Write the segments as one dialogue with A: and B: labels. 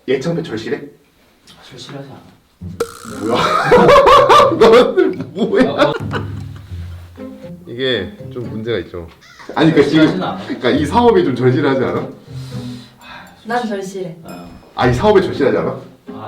A: 예청배 절실해?
B: 절실하지 않아.
A: 뭐야? 너는 뭐야? 이게 좀 문제가 있죠. 아니 그러니까
B: 절실하진
A: 지금
B: 않아.
A: 그러니까 이 사업이 좀 절실하지 않아?
C: 난 절실해.
A: 이 사업이 절실하지 않아?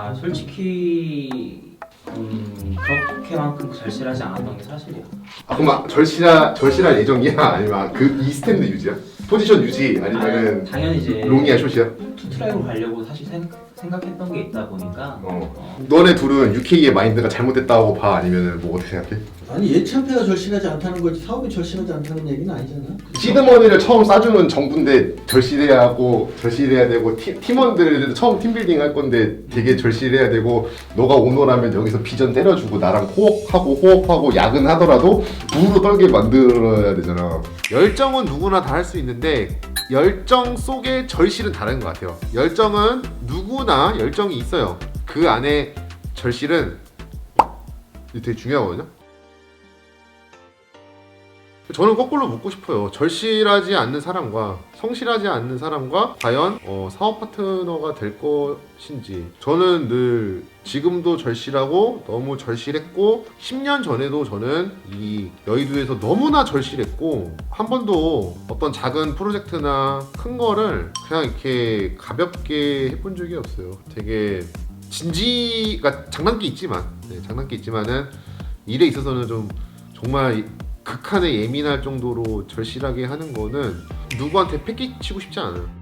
B: 솔직히 그렇게만큼 절실하지 않았던 게 사실이야.
A: 그럼 절실할 예정이야? 아니면 이 스탠드 유지야? 포지션 유지 아니면은
B: 당연히 이제
A: 롱이야 숏이야?
B: 투트랙으로 가려고 사실 생각했던 게 있다 보니까
A: 너네 둘은 UK의 마인드가 잘못됐다고 봐? 아니면은 뭐 어떻게 생각해?
D: 아니 예창패가 절실하지 않다는 거지 사업이 절실하지 않다는 얘기는 아니잖아.
A: 시드머니를 처음 싸주는 정부인데 절실해야 되고 팀원들도 처음 팀빌딩 할 건데 되게 절실해야 되고 너가 오너라면 여기서 비전 때려주고 나랑 호흡하고 야근하더라도 부르르 떨게 만들어야 되잖아. 열정은 누구나 다 할 수 있는데 열정 속의 절실은 다른 것 같아요. 열정은 누구나 열정이 있어요. 그 안에 절실은 되게 중요하거든요. 저는 거꾸로 묻고 싶어요. 절실하지 않는 사람과 성실하지 않는 사람과 과연 사업 파트너가 될 것인지. 저는 늘 지금도 절실하고 너무 절실했고 10년 전에도 저는 이 여의도에서 너무나 절실했고 한 번도 어떤 작은 프로젝트나 큰 거를 그냥 이렇게 가볍게 해본 적이 없어요. 되게 진지가 장난기 있지만은 일에 있어서는 좀 정말 극한에 예민할 정도로 절실하게 하는 거는 누구한테 패기치고 싶지 않아요.